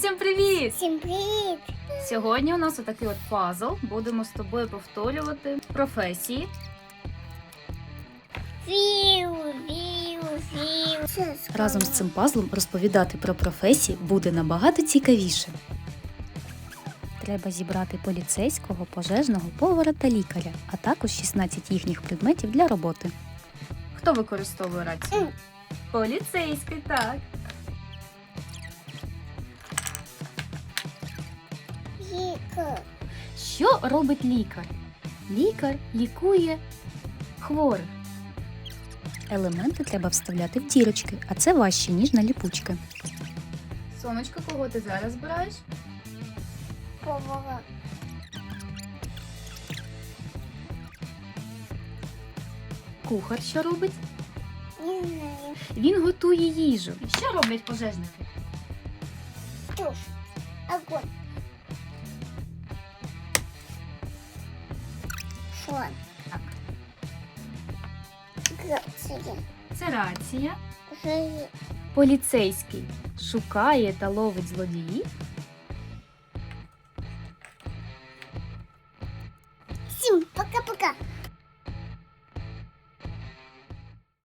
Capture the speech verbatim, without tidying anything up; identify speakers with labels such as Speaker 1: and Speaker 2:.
Speaker 1: всім привіт!
Speaker 2: Всім привіт!
Speaker 1: Сьогодні у нас отакий от пазл. Будемо з тобою повторювати професії.
Speaker 2: Віу, віу, віу.
Speaker 3: Разом з цим пазлом розповідати про професії буде набагато цікавіше. Треба зібрати поліцейського, пожежного, повара та лікаря, а також шістнадцять їхніх предметів для роботи.
Speaker 1: Хто використовує рацію? Поліцейський, так.
Speaker 2: Лікар.
Speaker 1: Що робить лікар? Лікар лікує хворих.
Speaker 3: Елементи треба вставляти в дірочки, а це важче, ніж на ліпучки.
Speaker 1: Сонечко, кого ти зараз збираєш?
Speaker 2: Повара.
Speaker 1: Кухар що робить?
Speaker 2: Не знаю.
Speaker 1: Він готує їжу. Що роблять пожежники?
Speaker 2: Туш. Огонь. Фон.
Speaker 1: Так.
Speaker 2: Грація.
Speaker 1: Це рація.
Speaker 2: Жиє.
Speaker 1: Поліцейський шукає та ловить злодіїв.
Speaker 2: Всім пока-пока.